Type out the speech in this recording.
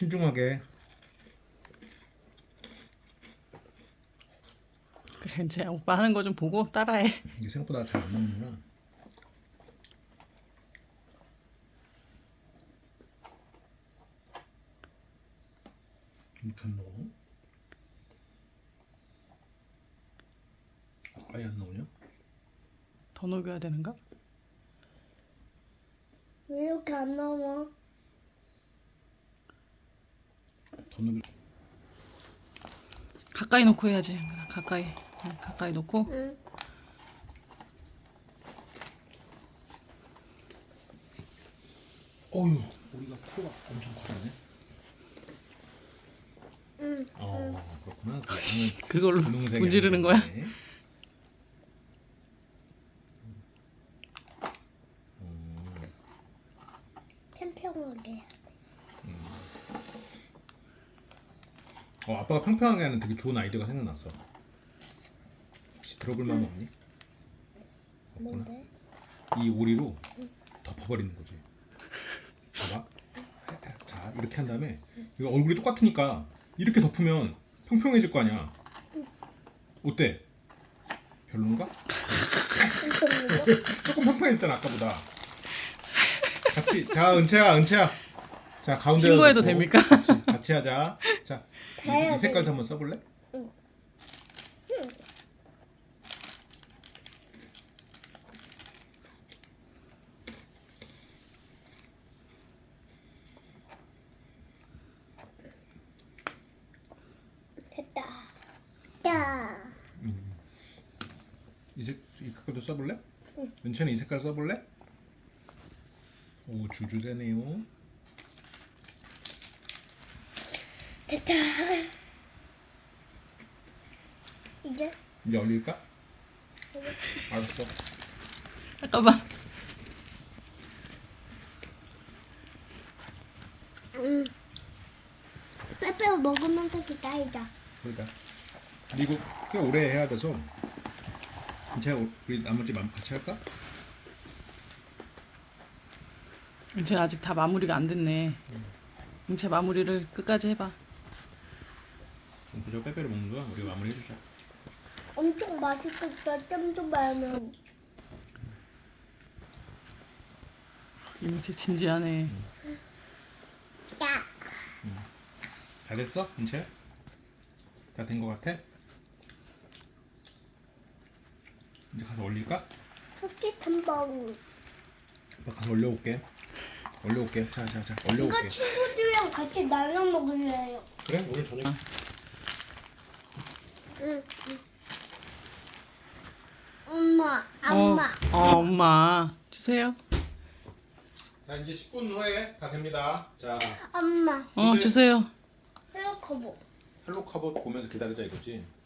신중하게. 그래 이제 오빠 하는 거 좀 보고 따라해. 이게 생각보다 잘 안 나오는구나. 이렇게 안 나오나? 아예 안 나오냐? 더 녹여야 되는가? 왜 이렇게 안 나와? 더 넣을. 가까이 놓고 해야지. 가까이. 응, 가까이 놓고. 응. 어휴, 우리가 코가 엄청 커졌네. 응. 그렇구나. 그걸로 분홍색이 문지르는 거야? 아니네. 평평하게. 아빠가 평평하게 하는 되게 좋은 아이디어가 생각났어. 혹시 들어볼 마음 없니? 뭔데? 이 오리로 덮어버리는 거지. 봐봐. 자, 이렇게 한 다음에 이거 얼굴이 똑같으니까 이렇게 덮으면 평평해질 거 아니야. 어때? 별론가? 조금 평평해졌잖아 아까보다. 같이. 자, 은채야. 자, 가운데 신고해도 됩니까? 같이 하자. 자, 이 색깔도 한번 써볼래? 응. 됐다. 야. 이 색깔도 써볼래? 응. 은채는 이 색깔 써볼래? 오, 주주세네요. 됐다. 이제 이제 올릴까? 알았어. 잠깐만. 빼빼로 먹으면서 기다리자. 그러니까 그리고 꽤 오래 해야 돼서 은채야 우리 나머지 같이 할까? 은채 아직 다 마무리가 안 됐네. 은채 마무리를 끝까지 해봐. 그럼 그저 빼빼로 먹는 거야. 우리가 마무리 해주자. 엄청 맛있겠다. 좀 더 말면. 은채 진지하네. 야. 다 됐어? 은채야? 다 된 거 같아? 이제 가서 올릴까? 솔직히 한 번. 아빠 가서 올려올게. 자, 이거 올려올게. 친구들이랑 같이 나눠 먹을래요. 그래? 오늘 저녁. 응. 엄마. 엄마 주세요. 자, 이제 10분 후에 다 됩니다. 자, 엄마. 주세요. 헤어커버. 헬로 카봇 보면서 기다리자 이거지.